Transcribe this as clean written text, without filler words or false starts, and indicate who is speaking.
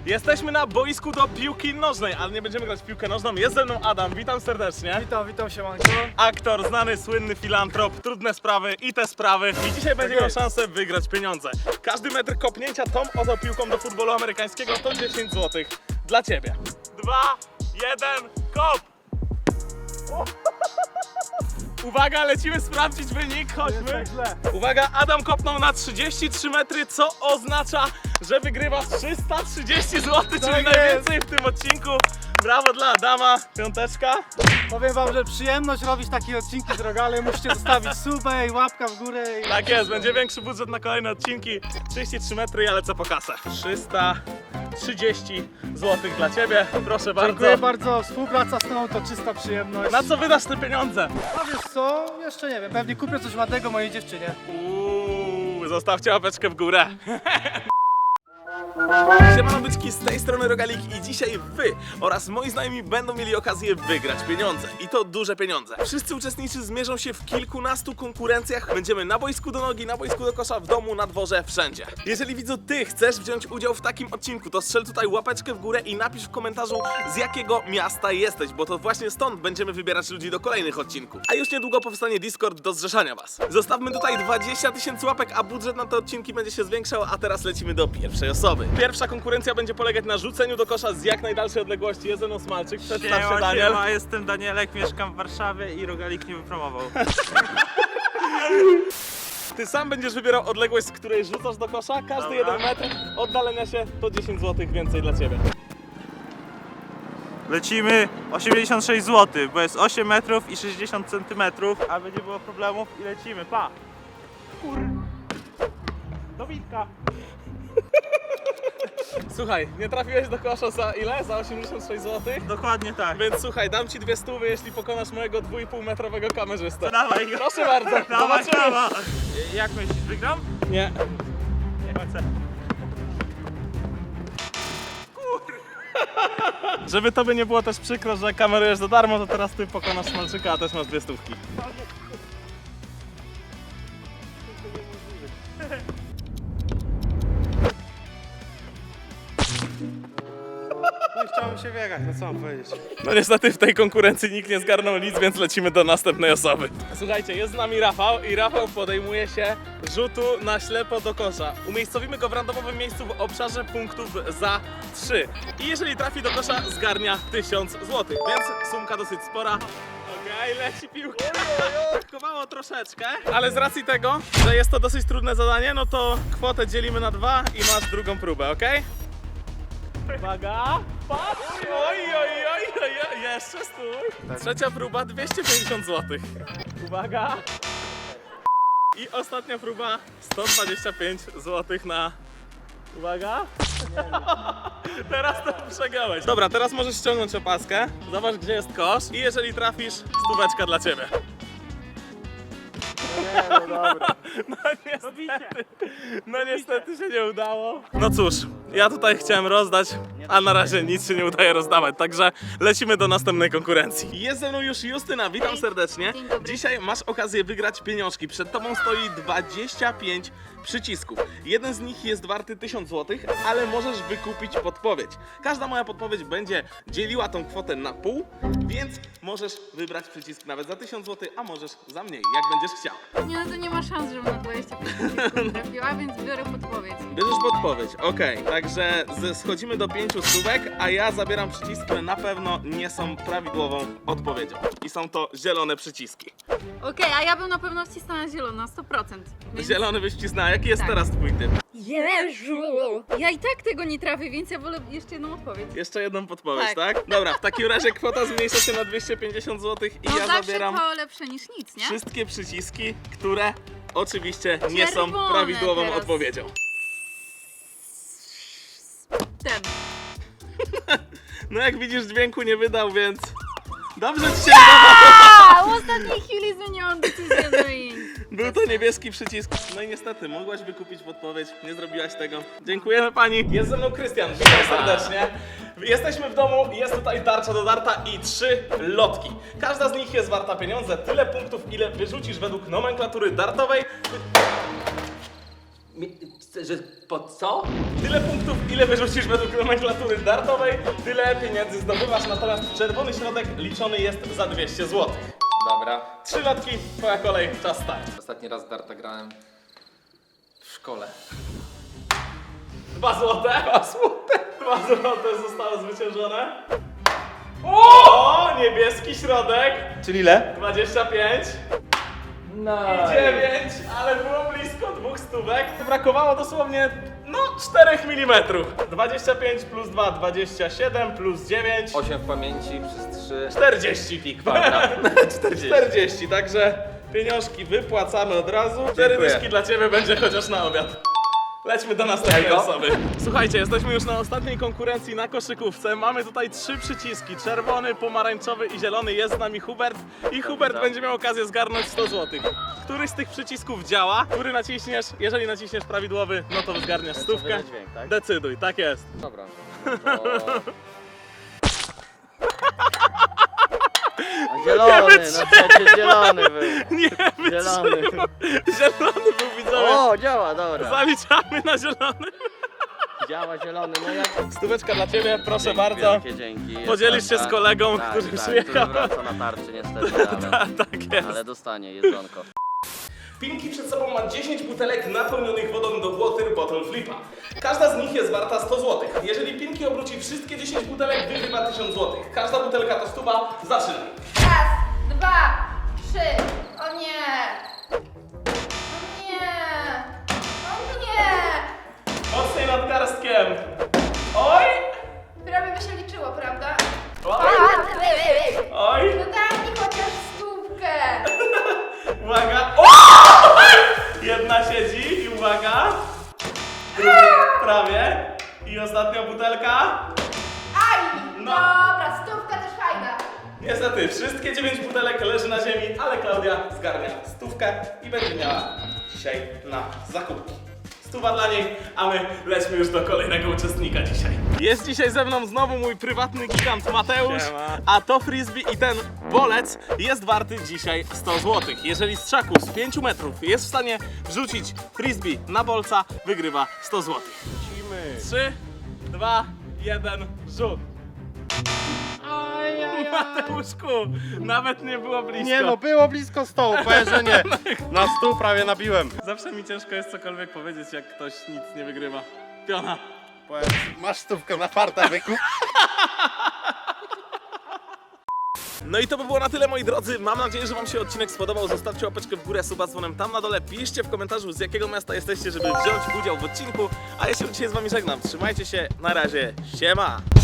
Speaker 1: Jesteśmy na boisku do piłki nożnej, ale nie będziemy grać w piłkę nożną. Jest ze mną Adam, witam serdecznie.
Speaker 2: Witam siemanko.
Speaker 1: Aktor, znany, słynny filantrop, trudne sprawy i te sprawy. I dzisiaj będzie miał szansę wygrać pieniądze. Każdy metr kopnięcia tą oto piłką do futbolu amerykańskiego to 10 zł dla ciebie. 2, 1, kop! Uwaga, lecimy sprawdzić wynik, chodźmy. Uwaga, Adam kopnął na 33 metry, co oznacza, że wygrywa 330 zł, czyli najwięcej w tym odcinku. Brawo dla Adama, piąteczka.
Speaker 2: Powiem wam, że przyjemność robić takie odcinki z Rogale. Musicie zostawić subę i łapka w górę.
Speaker 1: Tak jest, będzie większy budżet na kolejne odcinki. 33 metry, ja lecę po kasę. 330 zł dla ciebie, proszę bardzo.
Speaker 2: Dziękuję bardzo. Współpraca z tobą to czysta przyjemność.
Speaker 1: Na co wydasz te pieniądze?
Speaker 2: A wiesz co? Jeszcze nie wiem. Pewnie kupię coś ładnego mojej dziewczynie.
Speaker 1: Zostawcie łapeczkę w górę. Siemano byczki, z tej strony Rogalik i dzisiaj wy oraz moi znajomi będą mieli okazję wygrać pieniądze. I to duże pieniądze. Wszyscy uczestnicy zmierzą się w kilkunastu konkurencjach. Będziemy na boisku do nogi, na boisku do kosza, w domu, na dworze, wszędzie. Jeżeli widzu ty chcesz wziąć udział w takim odcinku, to strzel tutaj łapeczkę w górę i napisz w komentarzu, z jakiego miasta jesteś, bo to właśnie stąd będziemy wybierać ludzi do kolejnych odcinków. A już niedługo powstanie Discord do zrzeszania was. Zostawmy tutaj 20 000 łapek, a budżet na te odcinki będzie się zwiększał, a teraz lecimy do pierwszej osoby. Pierwsza konkurencja będzie polegać na rzuceniu do kosza z jak najdalszej odległości. Jest ze mną Smalczyk, przedstaw się Daniel.
Speaker 3: Siema, jestem Danielek, mieszkam w Warszawie i Rogalik mnie wypromował.
Speaker 1: Ty sam będziesz wybierał odległość, z której rzucasz do kosza. Każdy 1 metr oddalenia się to 10 zł więcej dla ciebie.
Speaker 3: Lecimy 86 zł, bo jest 8 metrów i 60 centymetrów, a będzie było problemów i lecimy, pa! Do Witka!
Speaker 1: Słuchaj, nie trafiłeś do kosza za ile? Za 86 zł?
Speaker 3: Dokładnie tak.
Speaker 1: Więc słuchaj, dam ci 200, jeśli pokonasz mojego 2,5 metrowego kamerzystę.
Speaker 3: Dawaj go.
Speaker 1: Proszę bardzo,
Speaker 3: Dawaj,
Speaker 1: zobaczymy.
Speaker 3: dawaj. Jak myślisz, wygram?
Speaker 1: Nie.
Speaker 3: Nie chcę.
Speaker 1: Żeby tobie nie było też przykro, że kamerujesz za darmo, to teraz ty pokonasz Smalczyka, a też masz 200.
Speaker 2: No i chciałem się wjechać, no co mam powiedzieć.
Speaker 1: No niestety w tej konkurencji nikt nie zgarnął nic, więc lecimy do następnej osoby. Słuchajcie, jest z nami Rafał i Rafał podejmuje się rzutu na ślepo do kosza. Umiejscowimy go w randomowym miejscu w obszarze punktów za 3. I jeżeli trafi do kosza, zgarnia 1000 zł, więc sumka dosyć spora. Okej, leci piłka. Brakowało troszeczkę, ale z racji tego, że jest to dosyć trudne zadanie, no to kwotę dzielimy na 2 i masz drugą próbę, okej? Uwaga! Patrz! Oj, jeszcze stój! Trzecia próba 250 zł. Uwaga! I ostatnia próba 125 zł na... Uwaga! Teraz to przegrałeś. Dobra, teraz możesz ściągnąć opaskę. Zobacz, gdzie jest kosz. I jeżeli trafisz, stóweczka dla ciebie.
Speaker 2: Nie, no dobra.
Speaker 1: No niestety się nie udało. No cóż, ja tutaj chciałem rozdać, a na razie nic się nie udaje rozdawać, także lecimy do następnej konkurencji. Jest ze mną już Justyna, witam
Speaker 4: Hej.
Speaker 1: serdecznie.
Speaker 4: Dzień dobry.
Speaker 1: Dzisiaj masz okazję wygrać pieniążki. Przed tobą stoi 25 przycisków. Jeden z nich jest warty 1000 zł, ale możesz wykupić podpowiedź. Każda moja podpowiedź będzie dzieliła tą kwotę na pół, więc możesz wybrać przycisk nawet za 1000 zł, a możesz za mniej, jak będziesz chciał.
Speaker 4: Nie, no to nie ma szans, żebym na 25 sekund trafiła, więc biorę podpowiedź.
Speaker 1: Bierzesz podpowiedź, okej. Także schodzimy do 5 stówek, a ja zabieram przyciski, które na pewno nie są prawidłową odpowiedzią. I są to zielone przyciski.
Speaker 4: Okej, a ja bym na pewno wcisnęła zielono, 100%. Więc...
Speaker 1: Zielony byś wcisnęła. Jaki jest
Speaker 4: Tak.
Speaker 1: teraz twój typ?
Speaker 4: Jezu! Ja i tak tego nie trafię, więc ja wolę jeszcze jedną odpowiedź.
Speaker 1: Jeszcze jedną podpowiedź,
Speaker 4: Tak.
Speaker 1: tak? Dobra, w takim razie kwota zmniejsza się na 250 zł i
Speaker 4: No
Speaker 1: ja
Speaker 4: zawsze
Speaker 1: zabieram
Speaker 4: to lepsze niż nic, nie?
Speaker 1: wszystkie przyciski, które oczywiście nie są
Speaker 4: Czerwone
Speaker 1: prawidłową
Speaker 4: teraz.
Speaker 1: odpowiedzią.
Speaker 4: Ten.
Speaker 1: No jak widzisz, dźwięku nie wydał, więc dobrze ci się udało.
Speaker 4: A, w ostatniej chwili zmieniłam decyzję, no i...
Speaker 1: Był to niebieski przycisk. No i niestety, mogłaś wykupić podpowiedź, nie zrobiłaś tego. Dziękujemy pani. Jest ze mną Krystian, witam serdecznie. Jesteśmy w domu, jest tutaj tarcza do darta i 3 lotki. Każda z nich jest warta pieniądze, tyle punktów, ile wyrzucisz według nomenklatury dartowej.
Speaker 5: Że po co?
Speaker 1: Tyle punktów, ile wyrzucisz według nomenklatury dartowej, tyle pieniędzy zdobywasz, natomiast czerwony środek liczony jest za 200 zł.
Speaker 5: Dobra.
Speaker 1: 3 lotki, twoja kolej, czas start.
Speaker 5: Ostatni raz darta grałem w szkole.
Speaker 1: 2 złote. 2 złote. 2 złote zostało zwyciężone. O, niebieski środek.
Speaker 3: Czyli ile?
Speaker 1: 25.
Speaker 5: No.
Speaker 1: 9, ale było blisko 2 stówek. Brakowało dosłownie, no, 4 mm. 25 plus 2, 27 plus 9.
Speaker 5: 8 w pamięci przez 3.
Speaker 1: 40.
Speaker 5: Pi kwadrat. 40.
Speaker 1: 40, także pieniążki wypłacamy od razu. 4
Speaker 5: Dziękuję.
Speaker 1: dyszki dla ciebie będzie chociaż na obiad. Lećmy do następnej
Speaker 5: Jajko?
Speaker 1: osoby. Słuchajcie, jesteśmy już na ostatniej konkurencji na koszykówce. Mamy tutaj 3 przyciski. Czerwony, pomarańczowy i zielony. Jest z nami Hubert. I Hubert będzie miał okazję zgarnąć 100 zł. Który z tych przycisków działa? Który naciśniesz? Jeżeli naciśniesz prawidłowy, no to zgarniasz stówkę.
Speaker 5: wyda dźwięk, tak?
Speaker 1: Decyduj, tak jest.
Speaker 5: Dobra. To...
Speaker 6: Zielony, no przecież zielony był.
Speaker 1: Nie
Speaker 6: Zielony.
Speaker 1: wytrzymał. Zielony był, widzowie.
Speaker 6: O, działa, dobra.
Speaker 1: Zaliczamy na zielony.
Speaker 6: Działa zielony, no jak...
Speaker 1: Stóweczka dla ciebie, proszę
Speaker 6: Dzięki
Speaker 1: bardzo.
Speaker 6: Wielkie, dzięki. Jest
Speaker 1: Podzielisz się z kolegą,
Speaker 6: tak,
Speaker 1: który
Speaker 6: tak,
Speaker 1: przyjechał.
Speaker 6: który wraca na tarczy niestety, ale,
Speaker 1: Tak jest.
Speaker 6: ale dostanie jedzonko.
Speaker 1: Pinki przed sobą ma 10 butelek napełnionych wodą do Water Bottle Flipa. Każda z nich jest warta 100 zł. Jeżeli Pinki obróci wszystkie 10 butelek, wygrywa 1000 zł. Każda butelka to 100, zaczynaj.
Speaker 4: Raz, 2, 3. O nie! O nie! O nie!
Speaker 1: Mocniej nadgarstkiem. Oj!
Speaker 4: Prawie by się liczyło, prawda?
Speaker 1: Oj! Oj!
Speaker 4: No daj mi chociaż stówkę!
Speaker 1: Uwaga! O! Jedna siedzi i uwaga! Druga prawie. I ostatnia butelka.
Speaker 4: Aj!
Speaker 1: No.
Speaker 4: Dobra, stówka też fajna.
Speaker 1: Niestety, wszystkie 9 butelek leży na ziemi, ale Klaudia zgarnia stówkę i będzie miała dzisiaj na zakupki. 100 dla niej, a my lećmy już do kolejnego uczestnika dzisiaj. Jest dzisiaj ze mną znowu mój prywatny gigant Mateusz, a to frisbee i ten bolec jest warty dzisiaj 100 zł. Jeżeli z trzaku z 5 metrów jest w stanie wrzucić frisbee na bolca, wygrywa 100 zł. 3, 2, 1, rzut. Mateuszku, nawet nie było blisko.
Speaker 2: Nie no, było blisko stołu, powiem, że nie. Na stół prawie nabiłem.
Speaker 1: Zawsze mi ciężko jest cokolwiek powiedzieć, jak ktoś nic nie wygrywa. Piona.
Speaker 2: Masz stówkę na farta, wykup.
Speaker 1: No i to by było na tyle, moi drodzy. Mam nadzieję, że wam się odcinek spodobał. Zostawcie łapeczkę w górę, suba z dzwonem tam na dole. Piszcie w komentarzu, z jakiego miasta jesteście, żeby wziąć udział w odcinku. A ja się dzisiaj z wami żegnam. Trzymajcie się, na razie, siema!